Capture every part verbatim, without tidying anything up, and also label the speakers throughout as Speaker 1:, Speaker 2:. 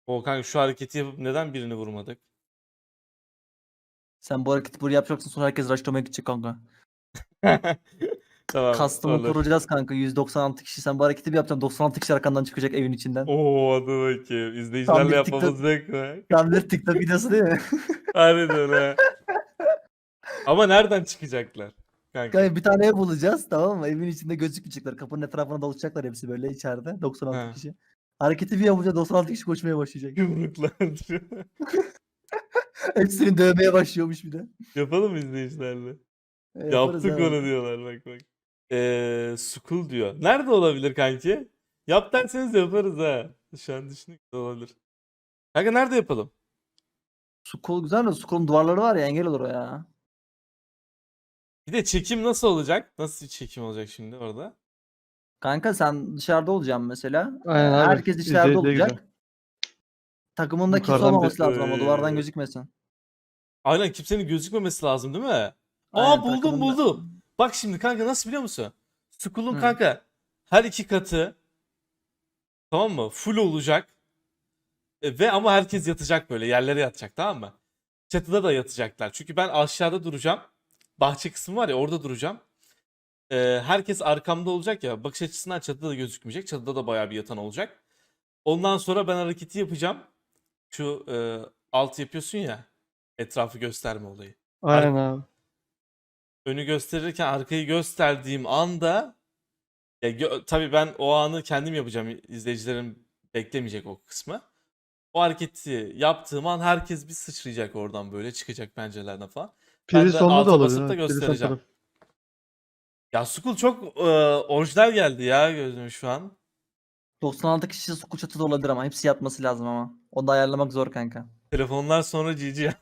Speaker 1: O kanka şu hareketi yapıp neden birini vurmadık?
Speaker 2: Sen bu hareketi buraya yapacaksın, sonra herkes rushlamaya gidecek kanka.
Speaker 1: Tamam
Speaker 2: Custom'ı
Speaker 1: olur.
Speaker 2: kuracağız kanka. yüz doksan altı kişi. Sen bu hareketi bir yapacaksın. doksan altı kişi arkandan çıkacak evin içinden.
Speaker 1: Oo hadi bakayım.
Speaker 2: Tam
Speaker 1: İzleyicilerle
Speaker 2: bir
Speaker 1: yapmamız
Speaker 2: TikTok,
Speaker 1: yok mu?
Speaker 2: tam bir TikTok videosu değil mi?
Speaker 1: Harbiden ha. Ama nereden çıkacaklar? Kanka.
Speaker 2: Kanka bir tane ev bulacağız, tamam mı? Evin içinde gözükmeyecekler. Kapının etrafına dolaşacaklar hepsi böyle içeride. doksan altı
Speaker 1: Ha.
Speaker 2: kişi. Hareketi bir yapınca doksan altı kişi koşmaya başlayacak.
Speaker 1: Yumruklar.
Speaker 2: Hepsini dövmeye başlıyormuş bir de.
Speaker 1: Yapalım mı izleyicilerle?
Speaker 2: E, yaparız
Speaker 1: Yaptık
Speaker 2: ha.
Speaker 1: onu diyorlar bak bak. Eee School diyor. Nerede olabilir kanki? Yap derseniz yaparız ha. Şu an düşündük de olabilir. Kanka nerede yapalım?
Speaker 2: School güzel de School'un duvarları var ya, engel olur o ya.
Speaker 1: Bir de çekim nasıl olacak? Nasıl bir çekim olacak şimdi orada?
Speaker 2: Kanka sen dışarıda olacaksın mesela.
Speaker 3: Aynen
Speaker 2: Ee,
Speaker 3: abi.
Speaker 2: Herkes içeride
Speaker 3: İzleyiciye
Speaker 2: olacak.
Speaker 3: güzel.
Speaker 2: Takımında kimse
Speaker 3: Yukarıdan bir-
Speaker 2: olmaması lazım ama duvardan
Speaker 1: Ee,
Speaker 2: gözükmesin.
Speaker 1: Aynen kimsenin gözükmemesi lazım değil mi? Aa
Speaker 2: Aynen,
Speaker 1: buldum
Speaker 2: takımında-
Speaker 1: buldum. Bak şimdi kanka nasıl biliyor musun? School'un
Speaker 2: Hı.
Speaker 1: kanka her iki katı tamam mı? Full olacak. E, ve ama herkes yatacak böyle yerlere yatacak tamam mı? Çatıda da yatacaklar. Çünkü ben aşağıda duracağım. Bahçe kısmı var ya orada duracağım. E, herkes arkamda olacak ya. Bakış açısından çatıda da gözükmeyecek. Çatıda da bayağı bir yatan olacak. Ondan sonra ben hareketi yapacağım. Şu e, alt yapıyorsun ya. Etrafı gösterme olayı.
Speaker 3: Aynen abi.
Speaker 1: Önü gösterirken arkayı gösterdiğim anda ya gö- tabii ben o anı kendim yapacağım. İzleyicilerim beklemeyecek o kısmı. O hareketi yaptığım an herkes bir sıçrayacak oradan böyle çıkacak pencerelerden falan. Ben
Speaker 3: Priz
Speaker 1: de
Speaker 3: sonunda da
Speaker 1: alta
Speaker 3: olabilir.
Speaker 1: basıp da
Speaker 3: ha. Priz son
Speaker 1: göstereceğim.
Speaker 3: taraf.
Speaker 1: Ya Skull çok e, orijinal geldi ya gözüme şu an.
Speaker 2: doksan altı kişi School çatıda olabilir ama hepsi yatması lazım ama. O da ayarlamak zor kanka.
Speaker 1: Telefonlar sonra G G.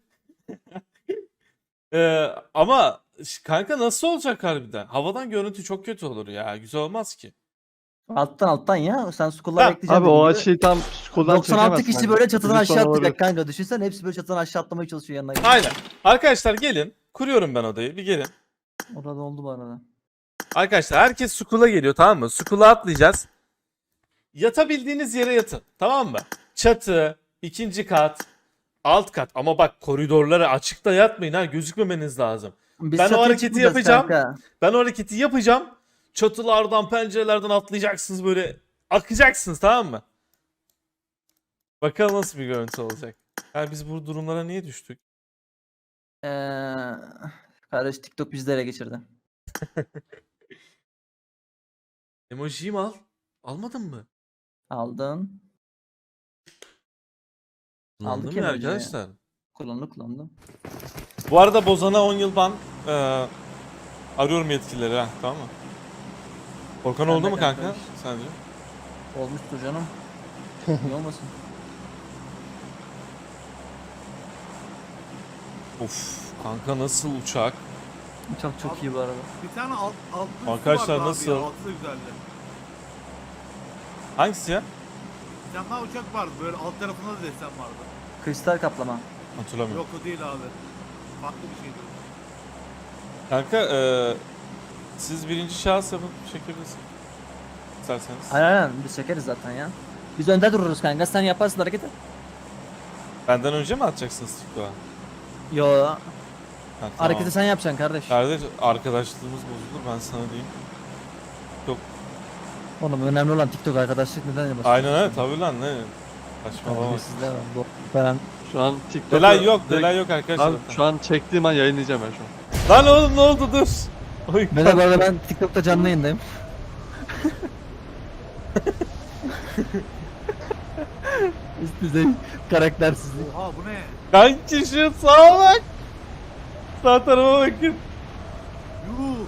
Speaker 1: E, ama ş- kanka nasıl olacak harbiden? Havadan görüntü çok kötü olur ya. Güzel olmaz ki.
Speaker 2: Alttan alttan ya. Sen School'lar
Speaker 1: Ha,
Speaker 2: bekleyeceksin
Speaker 3: Abi
Speaker 2: dediğin
Speaker 3: o
Speaker 2: gibi.
Speaker 3: açıyı tam koldan
Speaker 2: doksan altı
Speaker 3: çekemezsin.
Speaker 2: kişi
Speaker 3: abi.
Speaker 2: böyle çatıdan
Speaker 3: Priz son
Speaker 2: aşağı
Speaker 3: olabilir.
Speaker 2: atlayacak kanka. Düşünsene hepsi böyle çatıdan aşağı atlamaya çalışıyor yanına.
Speaker 1: Aynen. Arkadaşlar gelin. Kuruyorum ben odayı. Bir gelin.
Speaker 2: Orada oldu bu arada.
Speaker 1: Arkadaşlar herkes Skull'a geliyor tamam mı? Skull'a atlayacağız. Yatabildiğiniz yere yatın. Tamam mı? Çatı, ikinci kat, alt kat. Ama bak koridorlara açıkta yatmayın ha. Gözükmemeniz lazım.
Speaker 2: Biz
Speaker 1: Ben o
Speaker 2: çatıya
Speaker 1: hareketi
Speaker 2: çıkmayacağız
Speaker 1: yapacağım.
Speaker 2: kanka.
Speaker 1: Ben o hareketi yapacağım. Çatılardan, pencerelerden atlayacaksınız böyle. Akacaksınız tamam mı? Bakalım nasıl bir görüntü olacak. Yani biz bu durumlara niye düştük?
Speaker 2: Ee, kardeş TikTok bizi de ele geçirdi.
Speaker 1: Emojiyi mi al? Almadın mı?
Speaker 2: Aldın.
Speaker 1: Kullandın
Speaker 2: Aldık
Speaker 1: mı ya
Speaker 2: emojiyi.
Speaker 1: arkadaşlar?
Speaker 2: Kullandı kullandı.
Speaker 1: Bu arada Bozan'a on yıl ban. Ee, arıyorum yetkilileri ha tamam mı? Korkan
Speaker 2: Sen
Speaker 1: oldu
Speaker 2: de
Speaker 1: mu kanka?
Speaker 2: kanka.
Speaker 1: Sence?
Speaker 2: Olmuştur canım. Niye olmasın?
Speaker 1: Of kanka nasıl uçak?
Speaker 2: Çok çok iyi bu arada.
Speaker 4: Bir tane alt, altlı üstü
Speaker 1: Arkadaşlar
Speaker 4: vardı abi
Speaker 1: nasıl?
Speaker 4: ya, altı da güzeldi.
Speaker 1: Hangisi ya?
Speaker 4: Bir tane daha uçak vardı böyle alt tarafında da desen vardı.
Speaker 2: Kristal kaplama.
Speaker 1: Hatırlamıyorum.
Speaker 4: Yok o değil abi. Farklı bir şeydi.
Speaker 1: Kanka eee siz birinci şahıs yapıp çekebilirsiniz. İsterseniz.
Speaker 2: Aynen aynen biz çekeriz zaten ya. Biz önde dururuz kanka, sen yaparsın hareketi.
Speaker 1: Benden önce mi atacaksınız TikTok'a?
Speaker 2: Yo,
Speaker 1: Ha, tamam.
Speaker 2: hareketi sen yapacaksın kardeş.
Speaker 1: Kardeş arkadaşlığımız bozulur ben sana diyeyim. Çok
Speaker 2: Oğlum önemli olan TikTok arkadaşlık, neden yapasın?
Speaker 1: aynen öyle tabii lan ne saçmalama.
Speaker 2: Sizde var bu. Ben
Speaker 3: Şu an TikTok'ta...
Speaker 1: Delay yok
Speaker 3: direkt-
Speaker 1: delay yok arkadaşlar.
Speaker 3: Abi şu an çektiğim an yayınlayacağım ben şu an.
Speaker 1: Lan oğlum ne oldu dur. Oy,
Speaker 2: Merhaba arada ben TikTok'ta canlı yayındayım. Üst düzey karaktersizlik.
Speaker 4: Oha bu ne?
Speaker 1: kanki şu sağa bak. Sağ tarafa bakın.
Speaker 4: Yuh.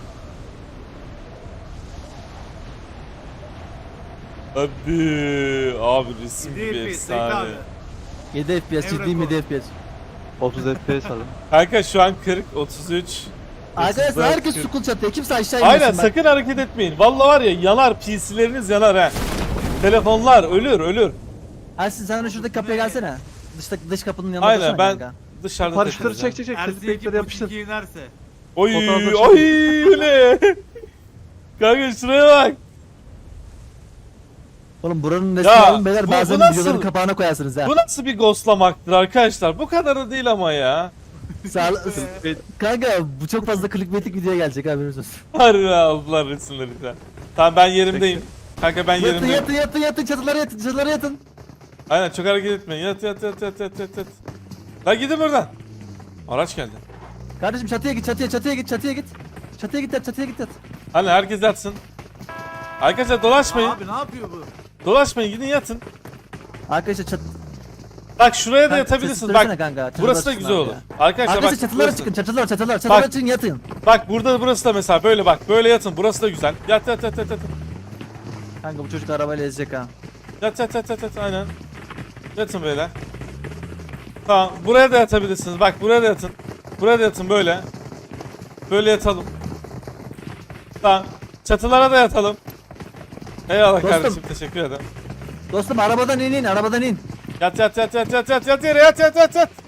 Speaker 1: Hadi abi resim
Speaker 4: yedi
Speaker 1: gibi
Speaker 4: F P S bekle
Speaker 1: efsane.
Speaker 4: abi.
Speaker 2: yedi F P S,
Speaker 4: Ev
Speaker 2: ciddiyim
Speaker 4: rekoru.
Speaker 2: yedi F P S.
Speaker 3: otuz F P S aldım.
Speaker 1: Kanka şu an kırk, otuz üç.
Speaker 2: Arkadaşlar
Speaker 1: otuz dört,
Speaker 2: herkes
Speaker 1: kırk.
Speaker 2: sukul çatıya, kimse aşağı inmesin.
Speaker 1: Aynen
Speaker 2: bak.
Speaker 1: sakın hareket etmeyin. Vallahi var ya yanar P C'leriniz yanar ha. Telefonlar ölür ölür.
Speaker 2: Ersin sen de şuradaki kapıya gelsene. Dışta, dış kapının yanına
Speaker 1: Aynen
Speaker 2: dursana
Speaker 1: ben
Speaker 2: kanka.
Speaker 1: dışarıda
Speaker 3: Paraşütleri
Speaker 1: takılacağım.
Speaker 3: çek çek çek.
Speaker 4: Ersin
Speaker 3: Clickbait'leri
Speaker 4: iki
Speaker 3: yapıştır.
Speaker 4: iki inerse.
Speaker 1: Oy
Speaker 3: Fotoğrafları
Speaker 1: oy öyle. Kanka şuraya bak.
Speaker 2: Oğlum buranın nesini
Speaker 1: Ya,
Speaker 2: alın beyler
Speaker 1: bu- bu
Speaker 2: bazen
Speaker 1: nasıl-
Speaker 2: videoların kapağına koyarsınız ha.
Speaker 1: Bu nasıl bir ghostlamaktır arkadaşlar? Bu kadar da değil ama ya.
Speaker 2: Sağ Kanka bu çok fazla clickbaitik video gelecek haberiniz olsun.
Speaker 1: Harbi aldılar resimleri ya. Tamam ben yerimdeyim. Kanka ben
Speaker 2: Yatın
Speaker 1: yerimdeyim.
Speaker 2: yatın yatın yatın çatılara yatın çatılara yatın.
Speaker 1: Aynen çok hareket etmeyin. Yat yat yat yat yat yat yat. Lan gidin buradan. Araç geldi.
Speaker 2: Kardeşim çatıya git çatıya çatıya git çatıya git. Çatıya git yat çatıya git yat.
Speaker 1: Hani herkes yatsın. Arkadaşlar dolaşmayın.
Speaker 4: Abi ne yapıyor bu?
Speaker 1: Dolaşmayın gidin yatın.
Speaker 2: Arkadaşlar çat...
Speaker 1: Bak şuraya da
Speaker 2: Kanka,
Speaker 1: yatabilirsiniz.
Speaker 2: sesi
Speaker 1: Bak
Speaker 2: söylesene kanka, çatılara
Speaker 1: burası da
Speaker 2: çıkın
Speaker 1: güzel
Speaker 2: abi
Speaker 1: olur.
Speaker 2: ya.
Speaker 1: Arkadaşlar
Speaker 2: Arkadaşlar
Speaker 1: bak
Speaker 2: çatılara
Speaker 1: burası.
Speaker 2: çıkın çatılara çatılara çatılara
Speaker 1: Bak.
Speaker 2: çıkın yatın.
Speaker 1: Bak burada burası da mesela böyle bak. Böyle yatın. Burası da güzel. Yat yat yat yat yat.
Speaker 2: Kanka bu çocuk arabayla ezecek ha.
Speaker 1: Yat yat yat yat yat aynen. Yatın böyle. Tamam buraya da yatabilirsiniz. Bak buraya da yatın. Buraya da yatın böyle. Böyle yatalım. Tamam. Çatılara da yatalım. Eyvallah
Speaker 2: Dostum.
Speaker 1: kardeşim teşekkür ederim.
Speaker 2: Dostum arabadan in in arabadan in.
Speaker 1: Yat yat yat yat yat yat yat yere yat yat yat yat.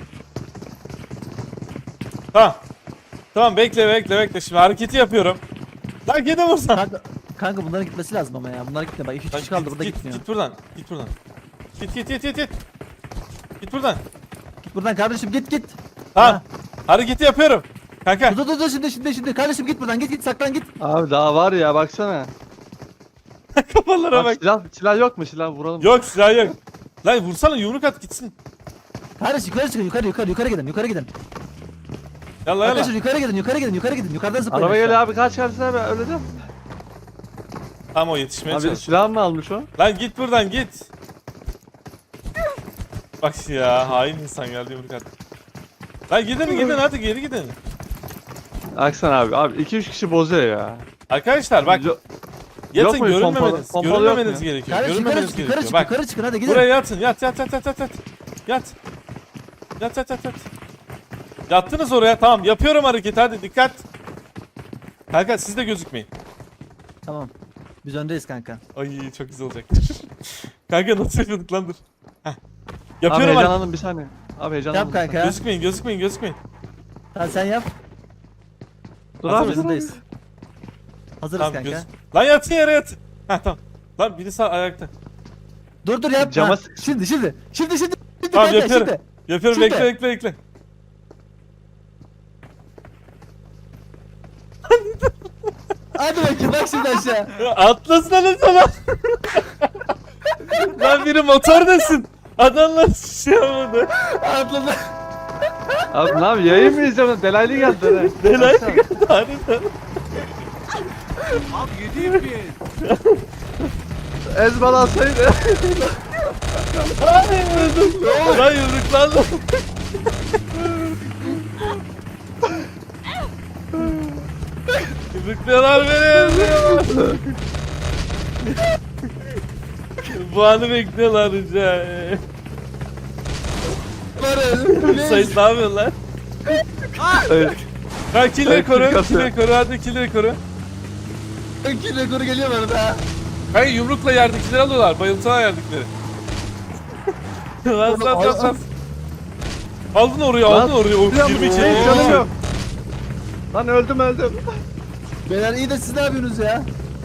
Speaker 1: Tamam. Tamam bekle bekle bekle şimdi hareketi yapıyorum. Lan gidin buradan.
Speaker 2: Kanka, kanka bunların gitmesi lazım ama ya. Bunlar gitmiyor. Bak iki
Speaker 1: Lan
Speaker 2: kişi kaldı
Speaker 1: git,
Speaker 2: burada
Speaker 1: git,
Speaker 2: gitmiyor.
Speaker 1: Git buradan. Git buradan. Git git git git git. Git buradan.
Speaker 2: Git buradan kardeşim git git.
Speaker 1: Tamam.
Speaker 2: Ha.
Speaker 1: Hareketi yapıyorum. Kanka.
Speaker 2: Dur dur dur şimdi şimdi şimdi kardeşim git buradan git git saklan git.
Speaker 3: Abi daha var ya baksana.
Speaker 1: Kafalara
Speaker 3: Bak,
Speaker 1: bak.
Speaker 3: silah, silah yok mu silah vuralım.
Speaker 1: Yok silah yok. Lan vursana yumruk at gitsin.
Speaker 2: Kardeş yukarı çıkın yukarı yukarı yukarı gidin yukarı gidin.
Speaker 1: Yallah yallah.
Speaker 2: Arkadaşlar yukarı gidin yukarı gidin yukarı gidin yukarıdan zıplayın.
Speaker 3: Araba
Speaker 2: aşağı.
Speaker 3: geliyor abi kaç kardeşine abi öyle değil mi?
Speaker 1: Tamam o yetişmeye
Speaker 3: Abi
Speaker 1: çalışıyor.
Speaker 3: silah mı almış o?
Speaker 1: Lan git buradan git. Bak ya hain insan geldi yumruk at. Lan gidin gidin hadi geri gidin.
Speaker 3: Aksan abi abi iki üç kişi bozuyor ya.
Speaker 1: Arkadaşlar bak
Speaker 3: Yo-
Speaker 1: yatın
Speaker 3: Yok mu? Pompalı-
Speaker 1: görünmemeniz,
Speaker 3: pompalı yok
Speaker 1: görünmemeniz
Speaker 3: mu?
Speaker 1: gerekiyor.
Speaker 2: Kardeş yukarı
Speaker 1: Görünmemeniz
Speaker 2: çık yukarı
Speaker 1: gerekiyor.
Speaker 2: çık
Speaker 1: Bak
Speaker 2: yukarı çıkın hadi gidin.
Speaker 1: buraya yatın yat yat yat yat yat yat. Yat. Yat yat yat yat. Yattınız oraya tamam yapıyorum hareketi hadi dikkat. Kanka siz de gözükmeyin.
Speaker 2: Tamam. Biz öndeyiz kanka.
Speaker 1: Ay çok güzel olacak. Kanka nasıl yapıyorduk lan dur. Heh.
Speaker 3: Abi
Speaker 1: Yapıyorum hareketi.
Speaker 3: heyecanlandım bir saniye. Abi heyecanlandım.
Speaker 2: Yap kanka.
Speaker 1: Gözükmeyin gözükmeyin gözükmeyin.
Speaker 2: Tamam sen yap.
Speaker 3: Dur
Speaker 1: Hazır
Speaker 3: abi
Speaker 1: mısın?
Speaker 3: dur abi.
Speaker 2: Hazırız. Hazırız
Speaker 1: Tamam
Speaker 2: kanka.
Speaker 1: göz. Lan yatın yere yat. Heh tamam. Lan biri sağ ayakta.
Speaker 2: Dur dur yapma.
Speaker 3: Cama sık-
Speaker 2: Şimdi şimdi. Şimdi şimdi. Şimdi
Speaker 1: Tamam
Speaker 2: kanka
Speaker 1: yapıyorum.
Speaker 2: şimdi.
Speaker 1: Yapıyorum
Speaker 2: Şimdi.
Speaker 1: bekle bekle bekle.
Speaker 2: Hadi bakayım bak şimdi aşağı.
Speaker 1: Ya Atlasana sana. Lan biri motor desin. Adamlar şey yapmadı.
Speaker 2: Atladı.
Speaker 3: Abi ne abi yayın mı izliyorsun? Delaylı geldi. Delay.
Speaker 1: Delay geldi harbiden.
Speaker 4: Abi yediğim bir.
Speaker 3: Ezbalansaydı.
Speaker 1: Ay öldüm. Lan yumruklandım. Yumrukluyorlar beni. Bu anı bekliyorlar rica. Sayın ne yapıyorsun lan?
Speaker 3: Evet.
Speaker 1: Ha killeri
Speaker 3: Evet,
Speaker 1: koru,
Speaker 3: killeri
Speaker 1: killeri koru, hadi killeri koru.
Speaker 2: İki rekoru geliyor bana da.
Speaker 1: Hayır yumrukla yerdekileri alıyorlar, bayıltılar yerdekileri. Lan lan lan lan. Aldın oraya, aldın
Speaker 3: Lan,
Speaker 1: oraya. O
Speaker 3: Canım
Speaker 1: yirmi iki.
Speaker 3: Hey, canım yok. Lan öldüm öldüm.
Speaker 2: Beyler iyi de siz ne yapıyorsunuz ya?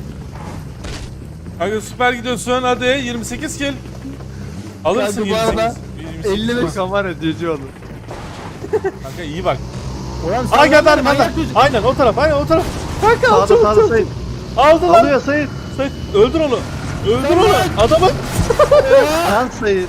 Speaker 1: Kanka süper gidiyorsun hadi yirmi sekiz kill. Alırsın
Speaker 2: Kanka bu
Speaker 1: yirmi
Speaker 2: arada
Speaker 1: sekiz. yirmi sekiz.
Speaker 2: elli beş.
Speaker 3: Furkan var ya cici oldu.
Speaker 1: Kanka iyi bak.
Speaker 2: Ulan
Speaker 1: Aa geldi
Speaker 2: lan,
Speaker 1: arkadan.
Speaker 2: manyak çocuk.
Speaker 1: Aynen o taraf, aynen o taraf. Kanka al
Speaker 3: Sağda
Speaker 1: çabuk
Speaker 3: sağda
Speaker 1: çabuk.
Speaker 3: Sayın.
Speaker 1: Aldı lan.
Speaker 3: Alıyor Sayın.
Speaker 1: Sayın, öldür onu. Öldür
Speaker 2: Tamam.
Speaker 1: onu. Adamı.
Speaker 3: Lan Sayın.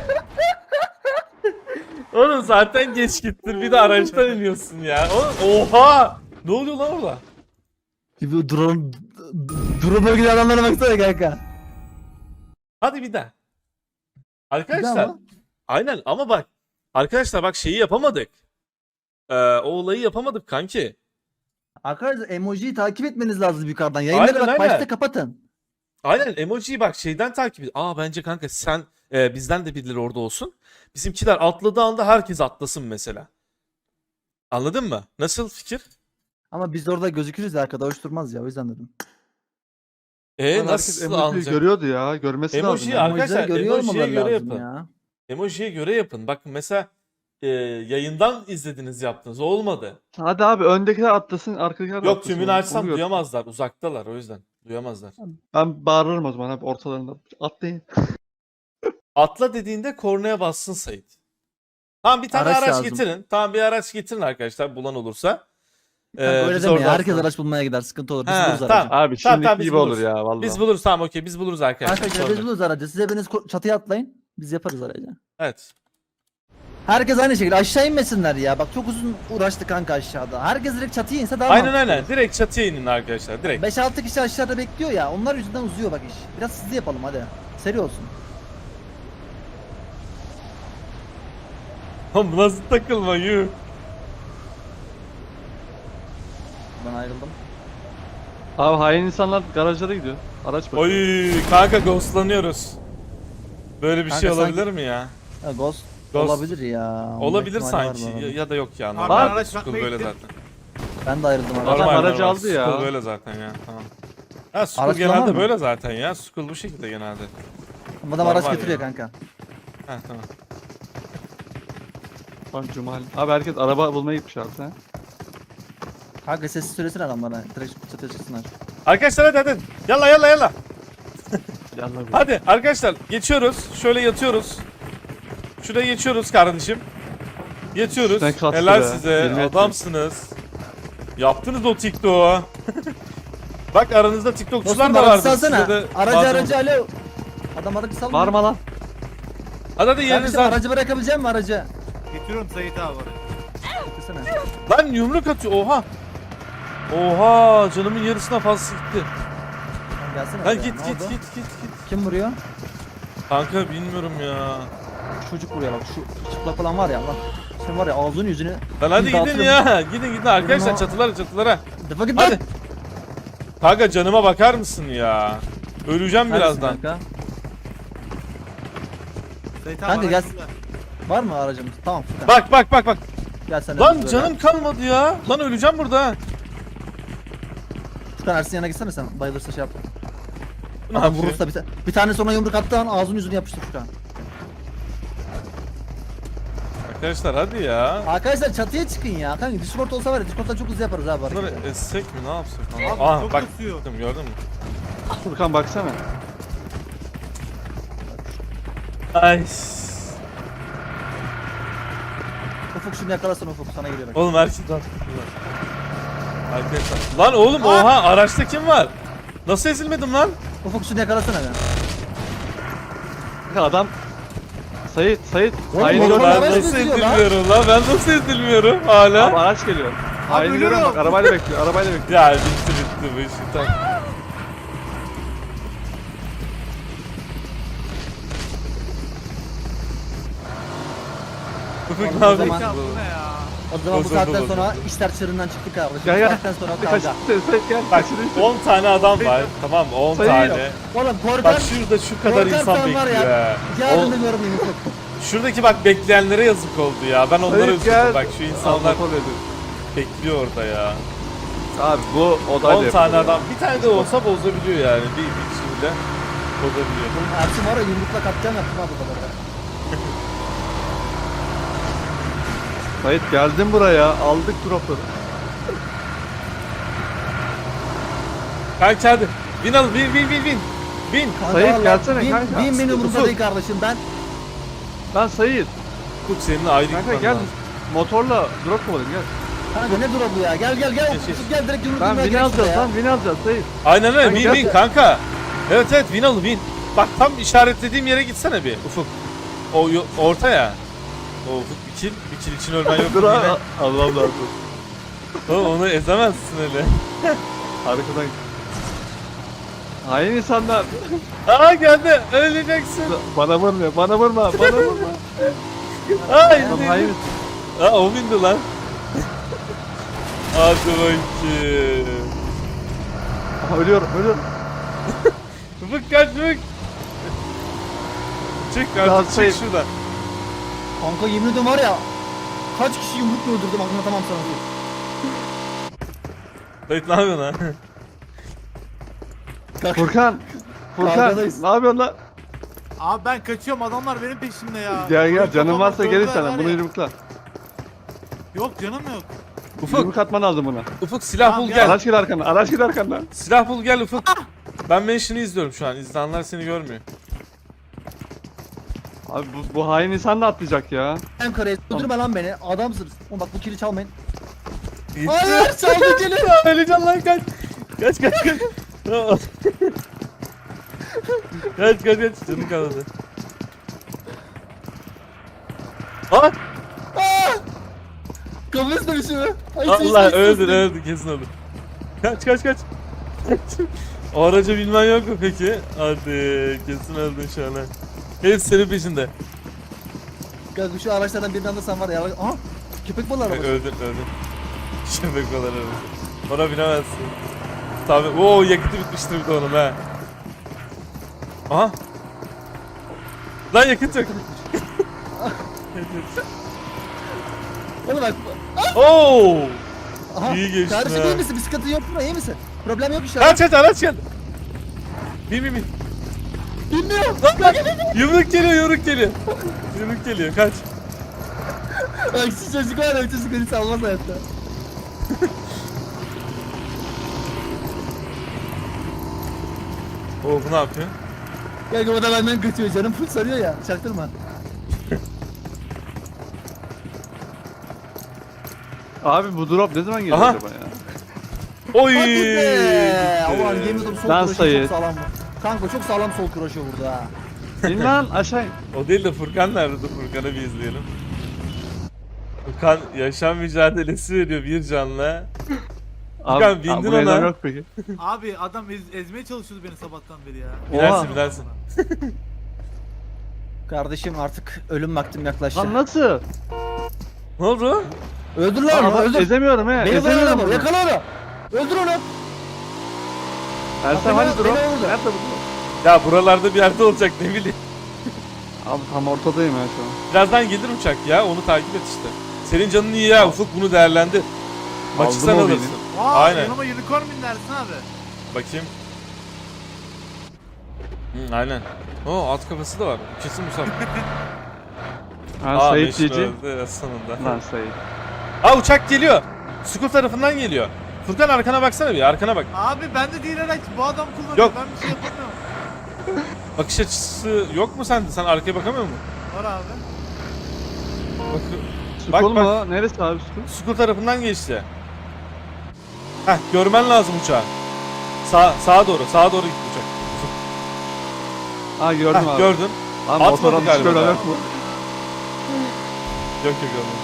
Speaker 1: Oğlum zaten geç gittin. Bir de araçtan iniyorsun ya. O- Oha. Ne oluyor lan orada?
Speaker 2: Gibi drone drone bölgeli adamlara baksana kanka.
Speaker 1: Hadi bir daha.
Speaker 2: Bir
Speaker 1: Arkadaşlar.
Speaker 2: daha mı?
Speaker 1: Aynen ama bak. Arkadaşlar bak şeyi yapamadık. Ee, o olayı yapamadık kanki.
Speaker 2: Arkadaşlar emojiyi takip etmeniz lazım yukarıdan. Yayınları
Speaker 1: Aynen,
Speaker 2: bak
Speaker 1: aynen.
Speaker 2: başta kapatın.
Speaker 1: Aynen emojiyi bak şeyden takip et. Aa bence kanka sen e, bizden de birileri orada olsun. Bizimkiler atladığı anda herkes atlasın mesela. Anladın mı? Nasıl fikir?
Speaker 2: Ama biz de orada gözükürüz ya arkada hoş durmaz ya o yüzden dedim.
Speaker 1: E
Speaker 3: Lan herkes
Speaker 1: nasıl
Speaker 3: emojiyi
Speaker 1: anlayacak?
Speaker 3: görüyordu ya. Görmesi lazım.
Speaker 1: Emoji
Speaker 3: ya.
Speaker 1: Arkadaşlar,
Speaker 2: Emojileri görüyor
Speaker 1: emojiye
Speaker 2: olmaları
Speaker 1: göre
Speaker 2: lazım
Speaker 1: yapın.
Speaker 2: ya.
Speaker 1: Emojiye göre yapın. Bak mesela e, yayından izlediniz yaptınız. Olmadı.
Speaker 3: Hadi abi öndekiler atlasın arkadakiler de
Speaker 1: Yok
Speaker 3: atlasın.
Speaker 1: tümünü
Speaker 3: Onu
Speaker 1: açsam
Speaker 3: gör.
Speaker 1: duyamazlar. Uzaktalar o yüzden. Duyamazlar.
Speaker 3: Ben bağırırım o zaman abi ortalarında. Atlayın.
Speaker 1: Atla dediğinde kornaya bassın Sait. Tamam bir tane
Speaker 2: Araç
Speaker 1: araç,
Speaker 2: lazım.
Speaker 1: getirin. Tamam bir araç getirin arkadaşlar bulan olursa.
Speaker 2: Kanka
Speaker 1: Ee,
Speaker 2: öyle
Speaker 1: biz
Speaker 2: deme ya.
Speaker 1: oradan
Speaker 2: Herkes
Speaker 1: sonra-
Speaker 2: araç bulmaya gider. Sıkıntı olur. Biz
Speaker 1: He,
Speaker 2: buluruz
Speaker 1: tamam.
Speaker 2: aracı.
Speaker 3: Abi
Speaker 1: Tamam,
Speaker 3: şimdiki
Speaker 1: tamam, biz
Speaker 3: gibi olur
Speaker 1: buluruz.
Speaker 3: ya vallahi.
Speaker 1: Biz buluruz tamam okey biz buluruz arkadaşlar.
Speaker 2: Arkadaşlar
Speaker 1: Sorun
Speaker 2: biz
Speaker 1: yok.
Speaker 2: buluruz aracı. Size biriniz ko- çatıya atlayın. Biz yaparız aracı.
Speaker 1: Evet.
Speaker 2: Herkes aynı şekilde aşağı inmesinler ya. Bak çok uzun uğraştı kanka aşağıda. Herkes direkt çatıya inse daha
Speaker 1: Aynen
Speaker 2: mantıklı
Speaker 1: aynen.
Speaker 2: olur.
Speaker 1: Direkt çatıya inin arkadaşlar. Direkt.
Speaker 2: beş altı kişi aşağıda bekliyor ya. Onlar yüzünden uzuyor bak iş. Biraz hızlı yapalım hadi. Seri olsun.
Speaker 1: Oğlum bu nasıl takılma yuh.
Speaker 2: Ben ayrıldım.
Speaker 3: Abi hain insanlar garajlara gidiyor. Araç bakıyor.
Speaker 1: Oy kanka ghostlanıyoruz. Böyle bir
Speaker 2: Kanka
Speaker 1: şey
Speaker 2: sanki-
Speaker 1: olabilir mi ya?
Speaker 2: Ha, ghost,
Speaker 1: Ghost.
Speaker 2: olabilir ya. Olma
Speaker 1: Olabilir
Speaker 2: ihtimali var
Speaker 1: sanki
Speaker 2: bu
Speaker 1: ya,
Speaker 2: arada.
Speaker 1: ya da yok ya.
Speaker 4: Abi
Speaker 1: Normal.
Speaker 4: ben araç
Speaker 1: Skull
Speaker 4: bakmaya
Speaker 1: böyle
Speaker 4: gittim.
Speaker 1: zaten.
Speaker 2: Ben de ayrıldım abi.
Speaker 3: Adam
Speaker 1: Normal,
Speaker 3: aracı
Speaker 1: normal.
Speaker 3: aldı ya.
Speaker 1: Skull böyle zaten ya. Tamam. Ha Skull
Speaker 2: Araç kullanır
Speaker 1: genelde
Speaker 2: mı?
Speaker 1: böyle zaten ya. Skull bu şekilde genelde.
Speaker 2: Adam araç
Speaker 1: normal
Speaker 2: getiriyor
Speaker 1: ya.
Speaker 2: kanka.
Speaker 1: Ha tamam.
Speaker 3: Bak Cumali. Abi herkes araba bulmaya gitmiş abi sen.
Speaker 2: Kanka sessiz söylesin adamlara. Direkt çatıya çıksınlar.
Speaker 1: Arkadaşlar hadi hadi. Yalla yalla yalla.
Speaker 3: Yallah be.
Speaker 1: Hadi arkadaşlar geçiyoruz. Şöyle yatıyoruz. Şuraya geçiyoruz kardeşim. Yatıyoruz.
Speaker 3: Üstten kastı
Speaker 1: Helal
Speaker 3: be.
Speaker 1: size.
Speaker 3: Yirmi metre.
Speaker 1: Adamsınız. Yaptınız o TikTok'u. Bak aranızda TikTokçular
Speaker 2: Dostum
Speaker 1: da
Speaker 2: aracı
Speaker 1: vardır.
Speaker 2: salsana.
Speaker 1: Size de
Speaker 2: Aracı
Speaker 1: lazım
Speaker 2: aracı
Speaker 1: olur.
Speaker 2: alo. Adam aracı salmıyor.
Speaker 3: Varma lan.
Speaker 1: Hadi hadi yeriniz
Speaker 2: Kardeşim
Speaker 1: var.
Speaker 2: aracı bırakabilecek misin aracı?
Speaker 4: Getiriyorum Sait abi oraya.
Speaker 2: Getirsene.
Speaker 1: Lan yumruk atıyor. Oha. Oha canımın yarısına fazla gitti.
Speaker 2: Lan gelsene.
Speaker 1: Lan
Speaker 2: buraya.
Speaker 1: git
Speaker 2: Ne
Speaker 1: git
Speaker 2: oldu?
Speaker 1: git git git.
Speaker 2: Kim vuruyor?
Speaker 1: Kanka bilmiyorum ya.
Speaker 2: Şu çocuk vuruyor bak şu çıplak olan var ya Allah. Sen var ya ağzını yüzünü.
Speaker 1: Lan hadi
Speaker 2: bir
Speaker 1: gidin
Speaker 2: dağıtırım.
Speaker 1: ya. Gidin gidin arkadaşlar
Speaker 2: Benim o-
Speaker 1: çatılara çatılara.
Speaker 2: Defa git
Speaker 1: Hadi.
Speaker 2: lan.
Speaker 1: Kanka canıma bakar mısın ya? Öleceğim
Speaker 2: Neredesin
Speaker 1: birazdan.
Speaker 2: Kanka?
Speaker 4: Sait abi
Speaker 2: Kanka
Speaker 4: araç
Speaker 2: gel.
Speaker 4: burada.
Speaker 2: Var mı aracımız? Tamam Furkan.
Speaker 1: Bak bak bak bak.
Speaker 2: Gel sen de
Speaker 1: Lan
Speaker 2: böyle.
Speaker 1: canım kalmadı ya. Lan öleceğim burada. ha.
Speaker 2: Furkan Ersin yanına gitsene sen. Bayılırsa şey yap.
Speaker 1: Ne
Speaker 2: Adam
Speaker 1: yapıyor?
Speaker 2: vurursa bir, ta- bir tane sonra yumruk attığı an ağzını yüzünü yapıştır Furkan.
Speaker 1: Arkadaşlar hadi ya.
Speaker 2: Arkadaşlar çatıya çıkın ya. Kanka Discord olsa var ya Discord'dan çok hızlı yaparız abi
Speaker 1: Bunları
Speaker 2: hareketi.
Speaker 1: essek mi ne yapsak?
Speaker 4: Abi
Speaker 1: Aa
Speaker 4: çok
Speaker 1: bak
Speaker 4: kasıyor.
Speaker 1: gördün mü, gördün mü?
Speaker 3: Furkan baksana.
Speaker 1: Ay.
Speaker 2: Ufuk şunu yakalasana Ufuk sana geliyor bak.
Speaker 1: Oğlum herkes Arkadaşlar. Lan oğlum oha araçta kim var? Nasıl ezilmedim lan?
Speaker 2: Ufuk şunu yakalasana be.
Speaker 3: Kanka adam Sayit, Sayit.
Speaker 2: Oğlum,
Speaker 3: Haini
Speaker 2: motor
Speaker 1: Oğlum
Speaker 3: görmüyor.
Speaker 1: ben
Speaker 2: araç
Speaker 1: nasıl
Speaker 2: eziliyor lan.
Speaker 1: ezilmiyorum lan? Ben nasıl ezilmiyorum hala?
Speaker 3: Abi araç geliyor. Haini
Speaker 4: ölüyorum.
Speaker 3: görüyorum bak arabayla bekliyor, arabayla bekliyor.
Speaker 1: Ya bitti bitti bu işi tamam. Ufuk
Speaker 2: Oğlum,
Speaker 1: ne
Speaker 2: o
Speaker 1: yapıyorsun?
Speaker 2: zaman-
Speaker 4: Ya bu ne ya?
Speaker 2: O zaman bu
Speaker 1: Bozuldu,
Speaker 2: saatten
Speaker 1: bozuldu.
Speaker 2: sonra işler çığırından çıktı kardeşim.
Speaker 3: Gel
Speaker 2: Bu
Speaker 3: gel.
Speaker 2: saatten sonra
Speaker 3: Kaç,
Speaker 2: kavga.
Speaker 3: Sayit gel.
Speaker 1: Bak
Speaker 3: Kaçırıyorsun.
Speaker 1: on tane adam var tamam mı? on
Speaker 3: Sayı
Speaker 1: tane.
Speaker 3: yok.
Speaker 2: Oğlum korkan.
Speaker 1: Bak şurada şu kadar
Speaker 2: korkan
Speaker 1: insan
Speaker 2: sen var
Speaker 1: bekliyor
Speaker 2: ya.
Speaker 1: ya.
Speaker 2: Yardım
Speaker 1: O-
Speaker 2: ediyorum yemin Ufuk.
Speaker 1: Şuradaki bak bekleyenlere yazık oldu ya. Ben onlara
Speaker 3: Sayit
Speaker 1: üzüldüm.
Speaker 3: gel.
Speaker 1: Bak şu insanlar
Speaker 3: Motor veriyor.
Speaker 1: bekliyor orada ya.
Speaker 3: Abi bu odayla
Speaker 1: on tane
Speaker 3: yapılıyor.
Speaker 1: adam. Bir tane de olsa bozabiliyor yani. Bir, bir kişiyle bozabiliyor.
Speaker 2: Oğlum Ersin var ya yumrukla katliam yaptım abi burada.
Speaker 3: Sayit geldin buraya, aldık dropları.
Speaker 1: Kanka hadi. Win al win win win win. Win.
Speaker 3: Sayit, gelsene
Speaker 2: bin,
Speaker 3: kanka.
Speaker 2: Bin benim umurumda
Speaker 1: Ufuk.
Speaker 2: değil kardeşim ben.
Speaker 3: Lan Sayit,
Speaker 1: Ufuk seninle ayrı
Speaker 3: kanka
Speaker 1: gitmen
Speaker 3: gel.
Speaker 1: lazım.
Speaker 3: Motorla drop kovalayım gel.
Speaker 2: Kanka ne drop'u ya gel gel gel
Speaker 1: Geç, geç.
Speaker 2: Ufuk gel direkt yumruk
Speaker 3: Lan
Speaker 2: yumruğa
Speaker 3: win
Speaker 2: gel
Speaker 3: alacağız
Speaker 2: şuraya
Speaker 3: lan,
Speaker 2: ya.
Speaker 3: win alacağız Sayit.
Speaker 1: Aynen öyle.
Speaker 3: Kanka
Speaker 1: Win win
Speaker 3: gel.
Speaker 1: kanka. Evet evet win al win. Bak tam işaretlediğim yere gitsene bir Ufuk. O yo- orta ya. O Ufuk bir kill. Bir kill için ölmen yok.
Speaker 3: Dur
Speaker 1: Yine-
Speaker 3: ha. Allah'ım lazım.
Speaker 1: Oğlum onu ezemezsin öyle.
Speaker 3: Arkadan. Hain insanlar.
Speaker 1: Aa geldi. Öleceksin.
Speaker 3: Bana vurma, bana vurma, bana vurma.
Speaker 1: Ay.
Speaker 3: Adam hain.
Speaker 1: Aa o bindi lan. Hadi bakayım.
Speaker 3: Aha, ölüyorum, ölüyorum.
Speaker 1: Ufuk kaç Ufuk. Çık
Speaker 3: Ya
Speaker 1: artık
Speaker 3: şey-
Speaker 1: çık şuradan.
Speaker 2: Kanka yemin ediyorum var ya. Kaç kişi yumrukla öldürdüm anlatamam sana.
Speaker 1: Dayıt ne yapıyorsun lan?
Speaker 2: Kanka,
Speaker 3: Furkan. Furkan,
Speaker 2: Kavgadayız.
Speaker 3: ne yapıyorsun lan?
Speaker 4: Abi ben kaçıyorum adamlar benim peşimde ya.
Speaker 3: Gel gel,
Speaker 4: Böyle
Speaker 3: canın
Speaker 4: kafama
Speaker 3: varsa
Speaker 4: dövdüler
Speaker 3: gelirsen
Speaker 4: var
Speaker 3: bunu
Speaker 4: ya.
Speaker 3: yumrukla.
Speaker 4: Yok canım yok.
Speaker 1: Ufuk.
Speaker 3: Yumruk atman lazım buna.
Speaker 1: Ufuk silah
Speaker 4: Tamam,
Speaker 1: bul
Speaker 4: gel.
Speaker 1: gel.
Speaker 3: Araç gel arkandan, araç gel arkandan.
Speaker 1: Silah bul gel Ufuk. Ben mention'ı izliyorum şu an. İzleyenler seni görmüyor.
Speaker 3: Abi bu, bu hain insan da atlayacak ya.
Speaker 2: Hem karayı öldürme lan beni. Adamsınız. Oğlum bak bu kili çalmayın.
Speaker 1: Gitti.
Speaker 2: Hayır çaldı kili.
Speaker 1: Öleceğim lan kaç. Kaç kaç kaç. kaç kaç kaç. Canım kalmadı. Aa!
Speaker 2: Kafes dövüşü mü? Ay,
Speaker 1: Allah
Speaker 2: seçtim,
Speaker 1: öldün
Speaker 2: seçtim.
Speaker 1: öldün kesin öldün. Kaç kaç kaç. O aracı bilmen yok mu peki? Hadi kesin öldün şu an. ha. Hepsi senin peşinde.
Speaker 2: Kanka şu araçlardan birini alırsan var ya. Aha köpek balığı arabası.
Speaker 1: Öldün öldün. Şebek olan arabası. Ona binemezsin. Tabii. Oo yakıtı bitmiştir bir de onun ha. Aha. Lan yakıt yok.
Speaker 2: Oğlum bak.
Speaker 1: Oo.
Speaker 2: Aha.
Speaker 1: İyi geçti
Speaker 2: Kardeşim
Speaker 1: ha.
Speaker 2: iyi misin? Bir sıkıntın yok mu? İyi misin? Problem yok inşallah.
Speaker 1: Kaç kaç araç geldi. Bin bin bin.
Speaker 2: Bilmiyorum.
Speaker 1: Yumruk geliyor yumruk geliyor. Yumruk geliyor kaç.
Speaker 2: Bak şu çocuk var ya bu çocuk beni salmaz hayatta.
Speaker 1: Oo bu ne yapıyor?
Speaker 2: Kanka o da benden kaçıyor canım full sarıyor ya. Çaktırma.
Speaker 3: Abi bu drop ne zaman geliyor
Speaker 1: Aha.
Speaker 3: acaba ya?
Speaker 1: Oy.
Speaker 2: Hadi be.
Speaker 1: gitti.
Speaker 2: Ulan yemin ederim sol
Speaker 3: Lan
Speaker 2: kuraşı
Speaker 3: sayı.
Speaker 2: çok sağlam bu. Kanka çok sağlam sol kuraşı burada ha.
Speaker 3: İn lan aşağı in.
Speaker 1: O değil de Furkan nerede? Dur Furkan'ı bir izleyelim. Furkan yaşam mücadelesi veriyor bir canla.
Speaker 3: Abi,
Speaker 1: Furkan, bindin
Speaker 3: abi, bu neden
Speaker 1: ona.
Speaker 3: Yok peki.
Speaker 4: Abi adam ez, ezmeye çalışıyordu beni sabahtan beri ya.
Speaker 1: Bilersin bilersin.
Speaker 2: Kardeşim artık ölüm vaktim yaklaştı.
Speaker 3: Lan nasıl?
Speaker 1: Ne oldu?
Speaker 2: Öldür
Speaker 3: Lan
Speaker 2: lan onu
Speaker 3: adam
Speaker 2: öldür.
Speaker 3: ezemiyorum he.
Speaker 2: Beni bırak
Speaker 3: ezemiyorum
Speaker 2: onu
Speaker 3: bunu.
Speaker 2: yakala onu. Öldür onu.
Speaker 3: Ersem
Speaker 2: Beni-
Speaker 3: hani drop?
Speaker 2: beni vurdu.
Speaker 3: Nerede bu drop?
Speaker 1: Ya buralarda bir yerde olacak ne bileyim.
Speaker 3: Abi tam ortadayım ya şu an.
Speaker 1: Birazdan gelir uçak ya onu takip et işte. Senin canın iyi ya Ufuk bunu değerlendir. Maçı
Speaker 3: Aldım
Speaker 1: sen
Speaker 3: o
Speaker 1: alırsın.
Speaker 4: Aa,
Speaker 1: Aynen.
Speaker 4: yanıma unicorn bin dersin abi.
Speaker 1: Bakayım. Hı, aynen. Oo at kafası da var. Kesin Musab.
Speaker 3: Ha
Speaker 1: Aa
Speaker 3: Sayit
Speaker 1: Beşir
Speaker 3: G G.
Speaker 1: öldü sonunda.
Speaker 3: Lan Sayit.
Speaker 1: Aa uçak geliyor. Sukul tarafından geliyor. Furkan arkana baksana bir arkana bak.
Speaker 4: Abi bende değil araç. Bu adam kullanıyor.
Speaker 1: Yok.
Speaker 4: Ben bir şey yapamıyorum.
Speaker 1: Bakış açısı yok mu sende? Sen arkaya bakamıyor musun?
Speaker 4: Var abi.
Speaker 1: Bak,
Speaker 3: Skol
Speaker 1: bak.
Speaker 3: mu? Neresi abi skol?
Speaker 1: Sukul tarafından geçti. Heh görmen lazım uçağı. Sağ, sağa doğru sağa doğru gitti uçak.
Speaker 3: Ha gördüm
Speaker 1: Heh,
Speaker 3: abi.
Speaker 1: gördün.
Speaker 3: Abi
Speaker 1: Atmadı
Speaker 3: motorun
Speaker 1: galiba
Speaker 3: skol
Speaker 1: daha.
Speaker 3: yok mu?
Speaker 1: Yok yok görmedim.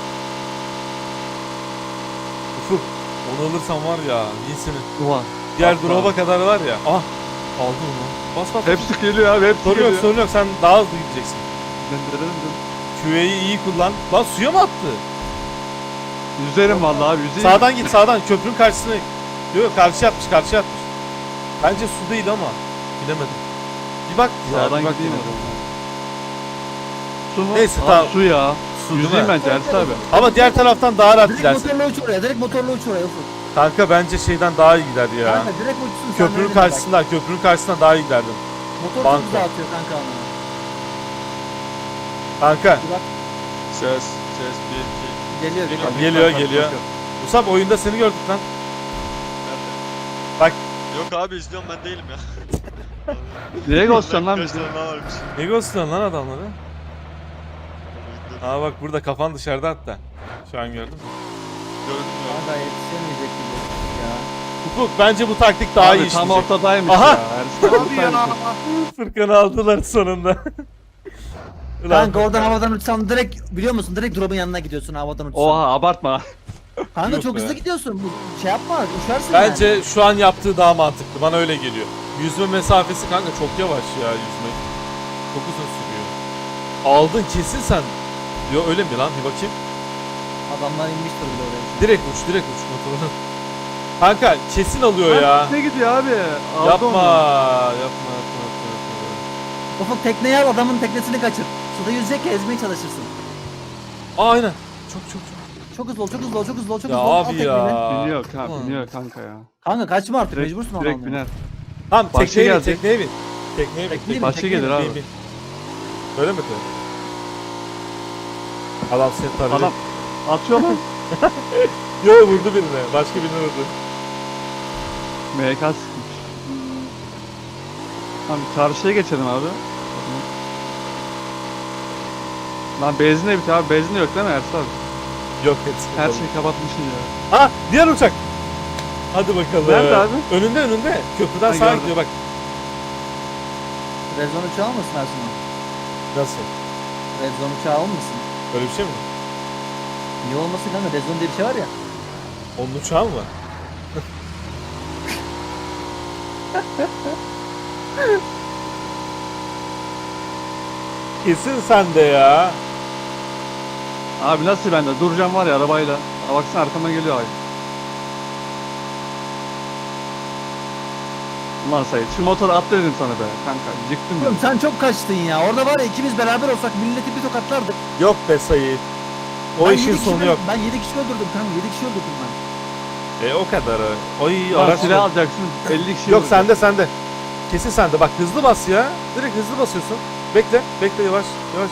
Speaker 1: Ufuk onu alırsan var ya iyisini.
Speaker 3: Ulan.
Speaker 1: Diğer
Speaker 3: Atma.
Speaker 1: drop'a kadar var ya. Ah aldım onu. Bas bas.
Speaker 3: Hepsi geliyor abi hepsi
Speaker 1: Sorun
Speaker 3: geliyor.
Speaker 1: yok sorun yok sen daha hızlı gideceksin.
Speaker 3: Döndürelim dön.
Speaker 1: Q A'yı iyi kullan. Lan suya mı attı?
Speaker 3: Yüzerim vallahi abi yüzeyim.
Speaker 1: Sağdan git sağdan köprünün karşısına. Yok yok karşıya atmış karşıya atmış. Bence su değil ama. Bilemedim. Bir bak ya.
Speaker 3: Sağdan
Speaker 1: bir bak
Speaker 3: gideyim
Speaker 1: yine.
Speaker 3: o zaman. Su mu?
Speaker 1: Neyse,
Speaker 3: Abi,
Speaker 1: tamam.
Speaker 3: Su ya.
Speaker 1: Su değil
Speaker 3: Yüzeyim
Speaker 1: mi?
Speaker 3: bence Ersin abi.
Speaker 1: Ama diğer taraftan daha rahat
Speaker 2: Direkt
Speaker 1: gidersin.
Speaker 2: motorla uç oraya. Direkt motorla uç oraya Ufuk.
Speaker 1: Kanka bence şeyden daha iyi gider ya.
Speaker 2: Kanka direkt uçsun sen.
Speaker 1: Köprünün
Speaker 2: öyle bak.
Speaker 1: karşısından, köprünün karşısından daha iyi giderdim.
Speaker 2: Motor
Speaker 1: Banko.
Speaker 2: çok güzel atıyor kanka onu.
Speaker 1: Kanka
Speaker 2: Bir bak
Speaker 5: Ses, ses, bir, iki.
Speaker 2: geliyor geliyor.
Speaker 1: geliyor
Speaker 3: Bak,
Speaker 1: geliyor.
Speaker 3: bak, bak.
Speaker 1: Musab oyunda seni gördük lan.
Speaker 5: Nerede?
Speaker 1: Bak.
Speaker 5: Yok abi izliyorum ben değilim ya.
Speaker 3: Nereye ghostluyorsun lan bizi?
Speaker 5: Göster ne varmış.
Speaker 1: Ne ghostluyorsun lan adamları? Aa bak burada kafan dışarıda hatta. Şu an gördün mü?
Speaker 5: Gördüm ya.
Speaker 2: Kanka yetişemeyecek gibi ya.
Speaker 1: Ufuk bence bu taktik daha
Speaker 3: Abi
Speaker 1: iyi
Speaker 3: tam
Speaker 1: işleyecek.
Speaker 3: ortadaymış
Speaker 1: Aha!
Speaker 3: ya. Ersin
Speaker 4: Abi ya.
Speaker 3: ortadaymış.
Speaker 1: Fırkanı aldılar sonunda. Ulan
Speaker 2: Kanka oradan
Speaker 1: Furkan.
Speaker 2: havadan uçsan direkt biliyor musun? Direkt drop'un yanına gidiyorsun havadan uçsan.
Speaker 3: Oha abartma.
Speaker 2: Kanka
Speaker 1: Yok
Speaker 2: çok
Speaker 1: be.
Speaker 2: hızlı gidiyorsun. Bu şey yapma uçarsın
Speaker 1: Bence
Speaker 2: yani.
Speaker 1: şu an yaptığı daha mantıklı. Bana öyle geliyor. Yüzme mesafesi kanka çok yavaş ya yüzme. Çok uzun sürüyor. Aldın kesin sen. Yo öyle mi lan? Bir bakayım.
Speaker 2: Adamlar inmiştir bile oraya.
Speaker 1: Direkt uç, direkt uç motorunu. Kanka kesin alıyor ya.
Speaker 3: Ne gidiyor abi? Aldı
Speaker 1: Yapma,
Speaker 3: onu.
Speaker 1: yapma, yapma, yapma, yapma.
Speaker 2: Ufuk tekneyi al adamın teknesini kaçır. Suda yüzecek ya ezmeye çalışırsın.
Speaker 1: Aa, aynen. Çok çok çok.
Speaker 2: Çok hızlı ol çok hızlı ol çok hızlı ol çok
Speaker 1: Ya
Speaker 2: hızlı ol. Al
Speaker 1: abi
Speaker 2: tekneyi.
Speaker 1: ya.
Speaker 3: Biniyor kanka,
Speaker 1: Ulan.
Speaker 3: biniyor kanka ya.
Speaker 2: Kanka kaçma artık
Speaker 3: Direkt,
Speaker 2: mecbursun
Speaker 3: direkt
Speaker 2: adamla.
Speaker 3: biner.
Speaker 1: Tamam
Speaker 3: Başka
Speaker 1: tekneye bin,
Speaker 3: gelecek.
Speaker 1: tekneye bin. Tekneye bin.
Speaker 2: Tekneye bin,
Speaker 3: Başka
Speaker 2: tekneye
Speaker 3: gelir
Speaker 2: bin.
Speaker 3: abi.
Speaker 1: Bin, bin. Öyle mi diyor? Adam seni tarıyor.
Speaker 3: Adam atıyor lan.
Speaker 1: Yo vurdu birine. Başka birine vurdu.
Speaker 3: M K sıkmış. Tamam karşıya geçelim abi. Lan benzin de bitiyor abi. Benzin de yok değil mi Ersin abi?
Speaker 1: Yok hepsi.
Speaker 3: Her
Speaker 1: kapalı.
Speaker 3: şeyi kapatmışsın ya.
Speaker 1: Ha diğer uçak. Hadi bakalım.
Speaker 3: Nerede abi?
Speaker 1: Önünde önünde. Köprüden
Speaker 3: Ha,
Speaker 1: sağa
Speaker 3: gördüm.
Speaker 1: gidiyor bak.
Speaker 2: Rezon uçağı olmasın Ersun?
Speaker 1: Nasıl?
Speaker 2: Rezon uçağı olmasın?
Speaker 1: Öyle bir şey mi?
Speaker 2: Niye olmasın kanka? Rezon diye bir şey var ya.
Speaker 1: Onun uçağı mı var? Kesin sende ya.
Speaker 3: Abi nasıl bende? Duracağım var ya arabayla. Aa, baksana arkama geliyor ay. Ulan Sayit şu motoru atla dedim sana be kanka. Yıktın
Speaker 2: Oğlum
Speaker 3: ya.
Speaker 2: sen çok kaçtın ya. Orada var ya ikimiz beraber olsak milleti bir tokatlardık.
Speaker 1: Yok be Sayit. O
Speaker 2: Ben
Speaker 1: işin
Speaker 2: yedi kişi
Speaker 1: sonu
Speaker 2: öl-
Speaker 1: yok.
Speaker 2: Ben yedi kişi öldürdüm kanka. yedi kişi öldürdüm ben.
Speaker 1: E o kadar. Oy
Speaker 3: Lan
Speaker 1: araç.
Speaker 3: silah alacaksın. elli kişi
Speaker 1: Yok
Speaker 3: vuracak.
Speaker 1: sende sende. Kesin sende. Bak hızlı bas ya. Direkt hızlı basıyorsun. Bekle. Bekle yavaş. Yavaş.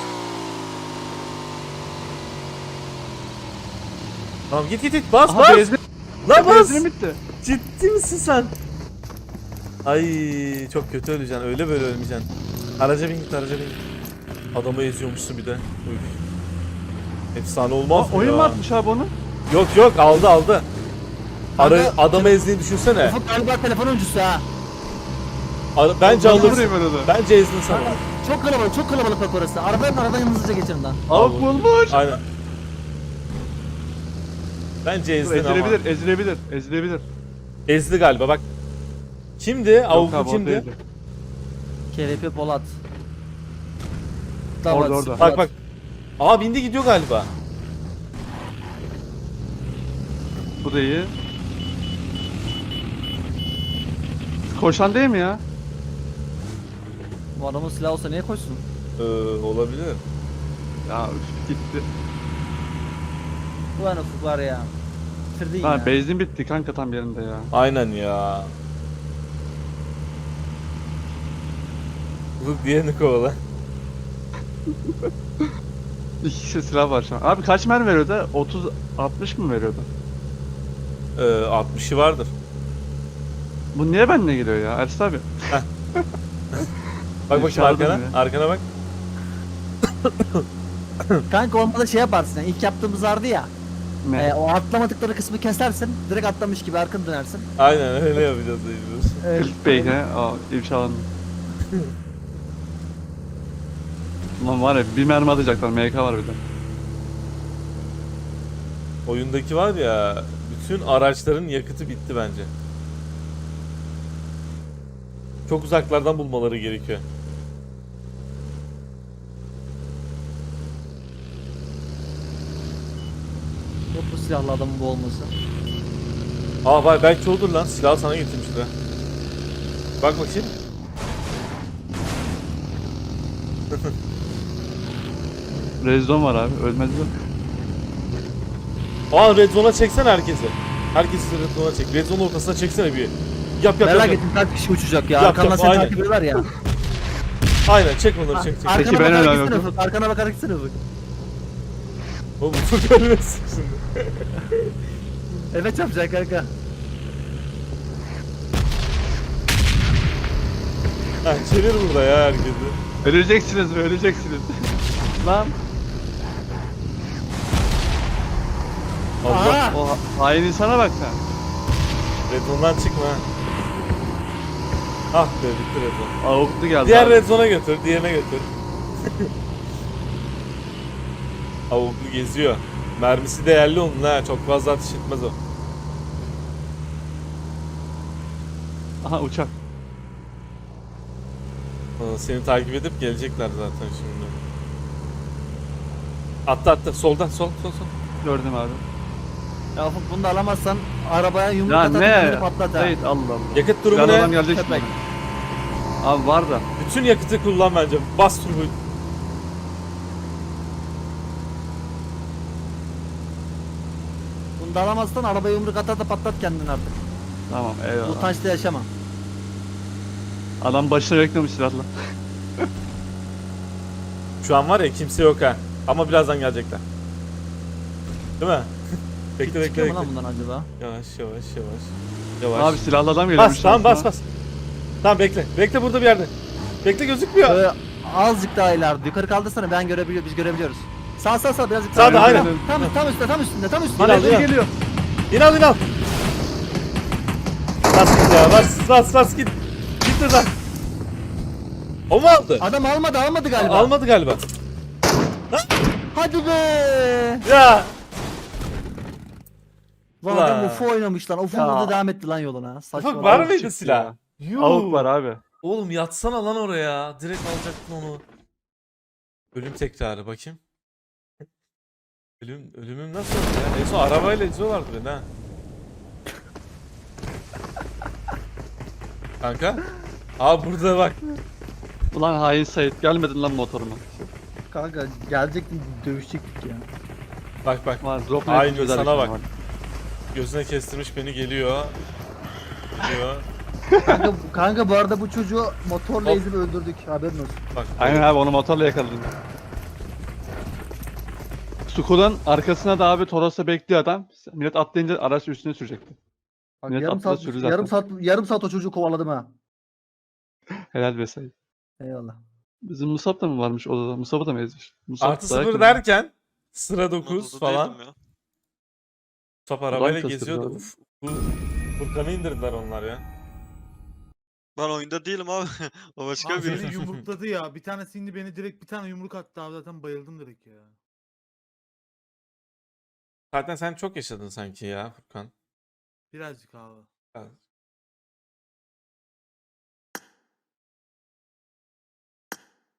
Speaker 1: Tamam git git git. Bas
Speaker 3: Aha
Speaker 1: bas.
Speaker 3: benzin,
Speaker 1: Lan bas.
Speaker 3: benzinim bitti.
Speaker 1: Ciddi misin sen? Ay çok kötü öleceksin. Öyle böyle ölmeyeceksin. Araca bin git araca bin git. Adamı eziyormuşsun bir de. Üf. Efsane olmaz
Speaker 3: Aa,
Speaker 1: mı
Speaker 3: oyun
Speaker 1: ya?
Speaker 3: mu atmış abi onu?
Speaker 1: Yok yok aldı aldı. Ara,
Speaker 2: Kanka,
Speaker 1: adamı ezdiğini düşünsene.
Speaker 2: Ufuk galiba telefon oyuncusu ha.
Speaker 1: Ara, bence
Speaker 3: Vallahi
Speaker 1: alırsın.
Speaker 3: vurayım ben onu.
Speaker 1: Bence ezdin sana.
Speaker 2: Kanka, çok kalabalık, çok kalabalık bak orası. Arabadan aradan hızlıca geçin lan.
Speaker 3: Avuk bulmuş.
Speaker 1: Aynen. Bence
Speaker 3: Dur,
Speaker 1: ezdin ama.
Speaker 3: ezilebilir, ezilebilir, ezilebilir.
Speaker 1: Ezdi galiba bak. Kimdi?
Speaker 3: Yok
Speaker 1: Avuklu
Speaker 3: abi, o
Speaker 1: kimdi?
Speaker 3: değildi.
Speaker 2: K V P Polat.
Speaker 3: Orada,
Speaker 2: Davat,
Speaker 3: orada.
Speaker 1: Bak bak. Aa bindi gidiyor galiba.
Speaker 3: Bu da iyi. Koşan değil mi ya?
Speaker 2: Bu adamın silahı olsa niye koşsun?
Speaker 1: Ee, olabilir.
Speaker 3: Ya üf, gitti.
Speaker 2: Ulan Ufuk var ya. Bitirdin
Speaker 3: Ha
Speaker 2: ya.
Speaker 3: benzin bitti kanka tam yerinde ya.
Speaker 1: Aynen ya. Bu diğerini kovala.
Speaker 3: İki kişi silah var şu an. Abi kaç mermi veriyordu? otuz altmış mı veriyordu?
Speaker 1: Ee, altmışı vardır.
Speaker 3: Bu niye benimle geliyor ya Ersin abi?
Speaker 1: Bak bakayım
Speaker 3: Dışarıda
Speaker 1: arkana.
Speaker 3: mı
Speaker 1: Arkana bak.
Speaker 2: Kanka olmadı şey yaparsın yani. İlk yaptığımız vardı ya.
Speaker 3: Ne?
Speaker 2: E, o atlamadıkları kısmı kesersin. Direkt atlamış gibi arkanı dönersin.
Speaker 1: Aynen öyle yapacağız mecbur.
Speaker 2: Evet.
Speaker 3: Clickbait he? Aa ifşalandı. Ulan var ya bir mermi atacaklar M K var bir de.
Speaker 1: Oyundaki var ya bütün araçların yakıtı bitti bence. Çok uzaklardan bulmaları gerekiyor.
Speaker 2: Yok bu silahlı adamın bu olması.
Speaker 1: Aa vay belki olur lan. Silahı sana getirmişler. Bak bakayım.
Speaker 3: Rezon var abi ölmezler.
Speaker 1: Aa red zone'a çeksene herkesi. Herkesi red zone'a çek. Red zone ortasına çeksene bir. Yap yap yap.
Speaker 2: Merak
Speaker 1: yap.
Speaker 2: ettim kaç kişi uçacak ya.
Speaker 1: Yap,
Speaker 2: Arkandan
Speaker 1: yap,
Speaker 2: seni
Speaker 1: aynen.
Speaker 2: takip ediyorlar ya.
Speaker 1: Aynen çek onları çek çek.
Speaker 2: Arkana
Speaker 3: Peki, ben
Speaker 2: bakarak
Speaker 3: öyle
Speaker 2: gitsene
Speaker 3: yapıyorum.
Speaker 2: Ufuk. Arkana bakarak gitsene Ufuk.
Speaker 1: Oğlum bu çok ölmesin şimdi.
Speaker 2: Evet yapacak kanka.
Speaker 1: Ha çevir burada ya herkesi.
Speaker 3: Öleceksiniz öleceksiniz. Lan.
Speaker 1: Allah.
Speaker 2: Aa!
Speaker 3: O ha- hain insana bak sen.
Speaker 1: Red zone'dan çıkma. ha. Ah be bitti red zone.
Speaker 3: Avuklu geldi
Speaker 1: Diğer
Speaker 3: abi.
Speaker 1: red zone'a götür, diğerine götür. Avuklu geziyor. Mermisi değerli onun ha, çok fazla ateş etmez o.
Speaker 3: Aha uçak.
Speaker 1: Aa, seni takip edip gelecekler zaten şimdi. Attı attı, soldan, sol, sol, sol.
Speaker 3: Gördüm abi.
Speaker 2: Ya Ufuk bunu da alamazsan arabaya yumruk
Speaker 3: Ya
Speaker 2: atar
Speaker 3: ne?
Speaker 2: kendini patlat ha.
Speaker 3: Sait Allah Allah.
Speaker 1: Yakıt durumu
Speaker 3: Silahlı adam
Speaker 1: ne?
Speaker 3: gelecek
Speaker 2: Köpek.
Speaker 3: şimdi. Abi var da.
Speaker 1: Bütün yakıtı kullan bence. Bas turbo.
Speaker 2: Bunu da alamazsan arabaya yumruk atar da patlat kendini artık.
Speaker 3: Tamam eyvallah.
Speaker 2: Bu taşta yaşama.
Speaker 3: Adam başına beklemiş silahla.
Speaker 1: Şu an var ya kimse yok ha. Ama birazdan gelecekler. Değil mi? bekle bekle
Speaker 2: Çıkıyor mu
Speaker 1: bekle.
Speaker 2: lan bundan acaba?
Speaker 1: Yavaş yavaş yavaş. Yavaş.
Speaker 3: Abi silahlı adam geliyormuş.
Speaker 1: Bas tamam
Speaker 3: şansına.
Speaker 1: bas bas. Tamam bekle. Bekle burada bir yerde. Bekle gözükmüyor.
Speaker 2: Böyle azıcık daha ileride. Yukarı kaldırsana ben görebiliyor biz görebiliyoruz. Sağ sağ sağ birazcık
Speaker 1: Sağda,
Speaker 2: daha.
Speaker 1: aynen.
Speaker 2: Tam tam üstte tam üstünde tam üstünde.
Speaker 1: İn al, in al.
Speaker 3: geliyor.
Speaker 1: İn al in al. Bas git ya bas bas bas git. Git buradan. O mu aldı?
Speaker 2: Adam almadı almadı galiba.
Speaker 1: Almadı galiba.
Speaker 2: Hadi be.
Speaker 1: Ya.
Speaker 2: Lan
Speaker 1: Ulan.
Speaker 2: adam Ufo oynamış lan. Ufo
Speaker 3: Ya.
Speaker 2: burada devam etti lan yoluna. Saçma.
Speaker 1: Ufak var
Speaker 3: Avuk
Speaker 1: mıydı
Speaker 3: çıktı
Speaker 1: silah?
Speaker 3: ya.
Speaker 1: Yuh.
Speaker 3: Avuk var abi.
Speaker 1: Oğlum yatsana lan oraya. Direkt alacaktın onu. Ölüm tekrarı bakayım. Ölüm, ölümüm nasıl oldu ya? En son arabayla eziyorlardı beni ha. Kanka. Aa burada bak.
Speaker 3: Ulan hain Sait gelmedin lan motoruma.
Speaker 2: Kanka gelecektin dövüşecektik ya.
Speaker 1: Bak bak.
Speaker 3: Var drop
Speaker 1: Aynı
Speaker 3: net
Speaker 1: sana
Speaker 3: çözerdik
Speaker 1: bak.
Speaker 3: ama.
Speaker 1: Gözüne kestirmiş beni geliyor. Geliyor.
Speaker 2: Kanka, kanka bu arada bu çocuğu motorla
Speaker 1: Hop.
Speaker 2: ezip öldürdük haberin olsun.
Speaker 1: Bak.
Speaker 3: Aynen abi onu motorla yakaladım. Sukuda'nın arkasına da abi Toros'ta bekliyor adam. Millet atlayınca araç üstüne sürecekti.
Speaker 2: Bak,
Speaker 3: Millet
Speaker 2: yarım
Speaker 3: atladı
Speaker 2: saat
Speaker 3: sürü zaten.
Speaker 2: yarım saat yarım saat o çocuğu kovaladım ha.
Speaker 3: Helal be Sait.
Speaker 2: Eyvallah.
Speaker 3: Bizim Musab da mı varmış odada? Musab'ı da mı ezmiş? Musab
Speaker 1: Artı
Speaker 3: dayak
Speaker 1: sıfır
Speaker 3: yedi.
Speaker 1: derken sıra
Speaker 5: Ben
Speaker 1: dokuz
Speaker 5: odada
Speaker 1: falan.
Speaker 5: değildim ya.
Speaker 1: Top arabayla
Speaker 3: Ulan
Speaker 1: geziyordu.
Speaker 3: şaşırdı
Speaker 1: Uf, bu Furkan'ı indirdiler onlar ya.
Speaker 5: Ben oyunda değilim abi. O başka
Speaker 4: Abi
Speaker 5: biri.
Speaker 4: beni yumrukladı ya. Bir tanesi indi beni direkt bir tane yumruk attı abi zaten bayıldım direkt ya.
Speaker 1: Zaten sen çok yaşadın sanki ya Furkan.
Speaker 4: Birazcık abi.
Speaker 1: Ya,